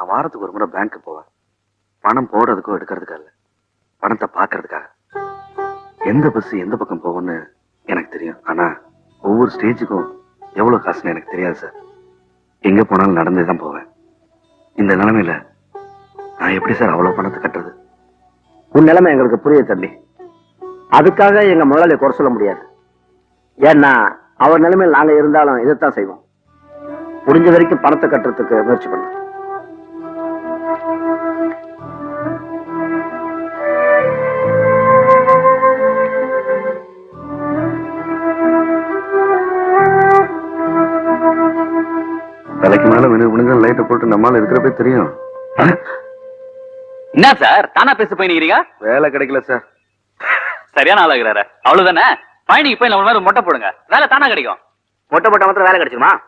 நான் வாரத்துக்கு ஒரு முறை பேங்க்கு போவேன். பணம் போடுறதுக்கோ எடுக்கிறதுக்காக இல்ல, பணத்தை பாக்குறதுக்காக. எந்த பஸ் எந்த பக்கம் போகும்னு எனக்கு தெரியும். ஆனா ஒவ்வொரு ஸ்டேஜுக்கும் எவ்வளவு காசுன்னு எனக்கு தெரியாது சார். எங்க போனாலும் நடந்தேதான் போவேன். இந்த நிலைமையில நான் எப்படி சார் அவ்வளவு பணத்தை கட்டுறது? உன் நிலைமை எங்களுக்கு புரியுது தம்பி. அதுக்காக எங்க முதலாளியை குறை சொல்ல முடியாது. ஏன்னா அவர் நிலைமையில் நாங்க இருந்தாலும் இதைத்தான் செய்வோம். முடிஞ்ச வரைக்கும் பணத்தை கட்டுறதுக்கு முயற்சி பண்ண. தலைக்கு மேல வினுங்க லைட்டை போட்டு நம்மால இருக்கிறப்ப தெரியும். என்ன சார் தானா பேச போயிருக்கீங்க? வேலை கிடைக்கல சார். சரியான ஆளாகிறாரு. அவ்வளவுதானே? பயணிக்கு போய் நம்ம மாதிரி மொட்டை போடுங்க, வேலை தானா கிடைக்கும். மொட்டை மொட்டை மாத்திரம் வேலை கிடைச்சுமா?